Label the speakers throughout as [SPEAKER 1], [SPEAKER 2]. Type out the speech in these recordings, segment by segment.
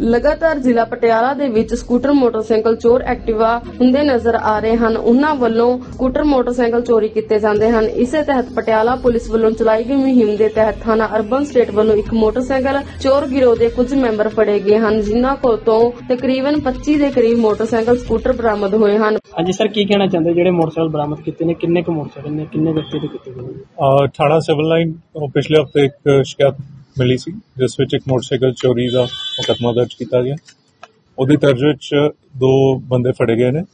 [SPEAKER 1] ਲਗਾਤਾਰ ਜ਼ਿਲ੍ਹਾ ਪਟਿਆਲਾ ਦੇ ਵਿੱਚ ਸਕੂਟਰ ਮੋਟਰਸਾਈਕਲ ਚੋਰ ਐਕਟਿਵਾ ਹੁੰਦੇ ਨਜ਼ਰ ਆ ਰਹੇ ਹਨ। ਉਹਨਾਂ ਵੱਲੋਂ ਸਕੂਟਰ ਮੋਟਰਸਾਈਕਲ ਚੋਰੀ ਕੀਤੇ ਜਾਂਦੇ ਹਨ। ਇਸੇ ਤਹਿਤ ਪਟਿਆਲਾ ਪੁਲਿਸ ਵੱਲੋਂ ਚਲਾਈ ਗਈ ਮੁਹਿੰਮ ਦੇ ਤਹਿਤ ਥਾਣਾ ਅਰਬਨ ਸਟੇਟ ਵੱਲੋਂ ਇੱਕ ਮੋਟਰਸਾਈਕਲ ਚੋਰ ਗਿਰੋਹ ਦੇ ਕੁਝ ਮੈਂਬਰ ਫੜੇ ਗਏ ਹਨ, ਜਿਨ੍ਹਾਂ ਕੋਲ ਤੋਂ ਤਕਰੀਬਨ 25 ਦੇ ਕਰੀਬ ਮੋਟਰਸਾਈਕਲ ਸਕੂਟਰ ਬਰਾਮਦ ਹੋਏ ਹਨ।
[SPEAKER 2] ਹਾਂਜੀ ਸਰ, ਕੀ ਕਹਿਣਾ ਚਾਹੁੰਦੇ ਜਿਹੜੇ ਮੋਟਰਸਾਈਕਲ ਬਰਾਮਦ ਕੀਤੇ ਨੇ, ਕਿੰਨੇ ਕੁ ਮੋਟਰਸਾਈਕਲ ਨੇ, ਕਿੰਨੇ ਵਿਅਕਤੀ ਦੇ ਕੀਤੇ ਗਏ ਨੇ?
[SPEAKER 3] ਥਾਣਾ ਸਿਵਲ ਲਾਈਨ ਤੋਂ ਪਿਛਲੇ ਹਫ਼ਤੇ ਇੱਕ ਸ਼ਿਕਾਇਤ ਮਿਲੀ ਸੀ, ਜਿਸ ਵਿੱਚ ਇੱਕ ਮੋਟਰਸਾਈਕਲ ਚੋਰੀ ਦਾ ਮੁਕੱਦਮਾ ਦਰਜ ਕੀਤਾ ਗਿਆ। ਉਹਦੀ ਤਰਜ਼ ਵਿੱਚ ਦੋ ਬੰਦੇ ਫੜੇ ਗਏ ਨੇ,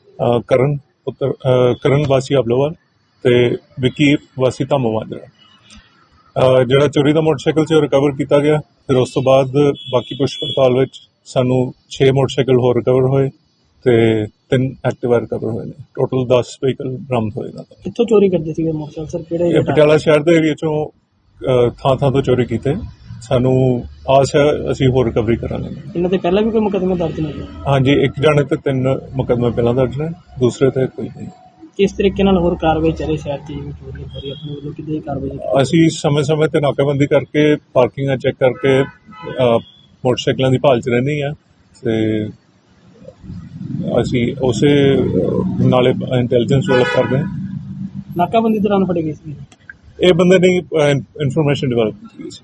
[SPEAKER 3] ਕਰਨ ਵਾਸੀ ਅਬਲੋਵਾਲ ਤੇ ਵਿੱਕੀ ਵਾਸੀ ਧਾਮੋਵਾਂਜਰਾ। ਜਿਹੜਾ ਚੋਰੀ ਦਾ ਮੋਟਰਸਾਈਕਲ ਸੀ ਉਹ ਰਿਕਵਰ ਕੀਤਾ ਗਿਆ। ਫਿਰ ਉਸ ਤੋਂ ਬਾਅਦ ਬਾਕੀ ਪੁੱਛ ਪੜਤਾਲ ਵਿੱਚ ਸਾਨੂੰ 6 ਮੋਟਰਸਾਈਕਲ ਹੋਰ ਰਿਕਵਰ ਹੋਏ ਤੇ 3 ਐਕਟਿਵਾ ਰਿਕਵਰ ਹੋਏ ਨੇ। ਟੋਟਲ 10 ਵਹੀਕਲ ਬਰਾਮਦ ਹੋਏ ਨੇ।
[SPEAKER 2] ਕਿੱਥੋਂ ਚੋਰੀ ਕਰਦੇ ਸੀਗੇ ਮੋਟਰਸਾਈਕਲ ਸਰ? ਕਿਹੜੇ?
[SPEAKER 3] ਇਹ ਪਟਿਆਲਾ ਸ਼ਹਿਰ ਦੇ ਏਰੀਆ ਚੋਂ ਥਾਂ ਤੋਂ ਚੋਰੀ ਕੀਤੇ। ਸਾਨੂੰ ਆਸ ਹੈ ਅਸੀਂ ਹੋਰ ਰਿਕਵਰੀ ਕਰਾਂਗੇ।
[SPEAKER 2] ਇਹਨਾਂ ਤੇ ਪਹਿਲਾਂ ਵੀ ਕੋਈ ਮੁਕੱਦਮੇ ਦਰਜ ਨੇ?
[SPEAKER 3] ਹਾਂਜੀ, ਇੱਕ ਜਾਣੇ ਤੇ 3 ਮੁਕੱਦਮੇ ਪਹਿਲਾਂ ਦਰਜ ਨੇ, ਦੂਸਰੇ ਤੇ ਕੋਈ ਨਹੀਂ।
[SPEAKER 2] ਕਿਸ ਤਰੀਕੇ ਨਾਲ ਹੋਰ ਕਾਰਵਾਈ ਚੱਲੇ ਸ਼ਹਿਰ 'ਚ ਜਿਵੇਂ ਚੋਰੀ ਹੋ ਰਹੀ ਆਪਣੇ ਵੱਲੋਂ ਕਿੱਦਾਂ ਦੀ ਕਾਰਵਾਈ?
[SPEAKER 3] ਅਸੀਂ ਸਮੇਂ-ਸਮੇਂ ਤੇ ਨਾਕਾਬੰਦੀ ਕਰਕੇ ਪਾਰਕਿੰਗਾਂ ਚੈੱਕ ਕਰਕੇ ਮੋਟਰਸਾਈਕਲਾਂ ਦੀ ਭਾਲ 'ਚ ਰਹਿੰਦੇ ਹਾਂ ਤੇ ਅਸੀਂ ਉਸੇ ਨਾਲੇ ਇੰਟੈਲੀਜੈਂਸ ਡਿਵੈਲਪ ਕਰਦੇ ਹਾਂ।
[SPEAKER 2] ਨਾਕਾਬੰਦੀ ਦੌਰਾਨ ਫੜੇ ਗਏ ਸੀ?
[SPEAKER 3] ਇਹ ਬੰਦੇ ਨੇ ਇਨਫੋਰਮੇਸ਼ਨ ਡਿਵੈਲਪ ਕੀਤੀ ਸੀ।